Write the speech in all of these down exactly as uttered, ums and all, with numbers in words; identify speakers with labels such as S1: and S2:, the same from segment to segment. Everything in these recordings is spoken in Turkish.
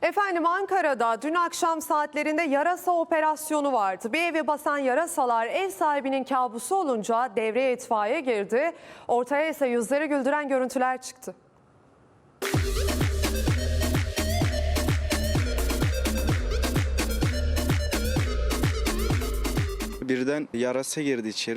S1: Efendim Ankara'da dün akşam saatlerinde yarasa operasyonu vardı. Bir evi basan yarasalar ev sahibinin kabusu olunca devreye itfaiye girdi. Ortaya ise yüzleri güldüren görüntüler çıktı.
S2: Birden yarasa girdi içeri.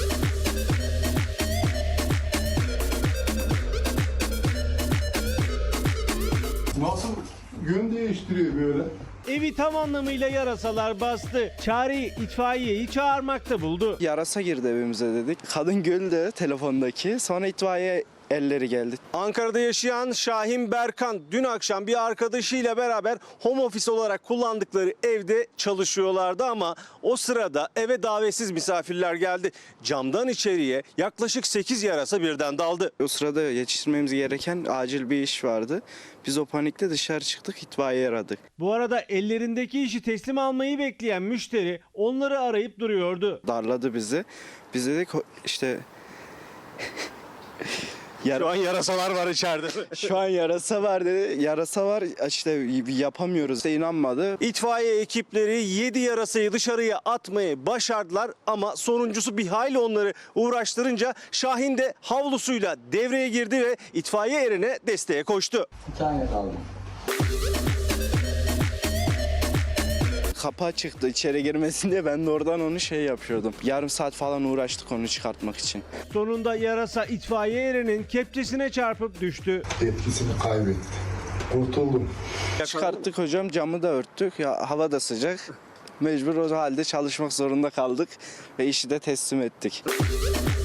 S3: Nasıl yön değiştiriyor böyle?
S4: Evi tam anlamıyla yarasalar bastı. Çareyi itfaiyeyi çağırmakta buldu.
S2: Yarasa girdi evimize dedik. Kadın güldü telefondaki. Sonra itfaiye elleri geldi.
S4: Ankara'da yaşayan Şahin Berkan dün akşam bir arkadaşıyla beraber home office olarak kullandıkları evde çalışıyorlardı ama o sırada eve davetsiz misafirler geldi. Camdan içeriye yaklaşık sekiz yarasa birden daldı.
S2: O sırada yetiştirmemiz gereken acil bir iş vardı. Biz o panikle dışarı çıktık, itfaiye aradık.
S4: Bu arada ellerindeki işi teslim almayı bekleyen müşteri onları arayıp duruyordu.
S2: Darladı bizi. Biz dedik işte... Yar
S4: Şu an yarasalar var içeride.
S2: Şu an yarasa var dedi. Yarasa var işte yapamıyoruz. İşte inanmadı.
S4: İtfaiye ekipleri yedi yarasayı dışarıya atmayı başardılar ama sonuncusu bir hayli onları uğraştırınca Şahin de havlusuyla devreye girdi ve itfaiye erine desteğe koştu.
S5: Bir tane kaldı.
S2: Kapı çıktı içeri girmesin diye ben de oradan onu şey yapıyordum. Yarım saat falan uğraştık onu çıkartmak için.
S4: Sonunda yarasa itfaiye erinin kepçesine çarpıp düştü.
S3: Etkisini kaybetti. Kurtuldum.
S2: Çıkarttık hocam, camı da örttük. Ya hava da sıcak. Mecbur o halde çalışmak zorunda kaldık ve işi de teslim ettik.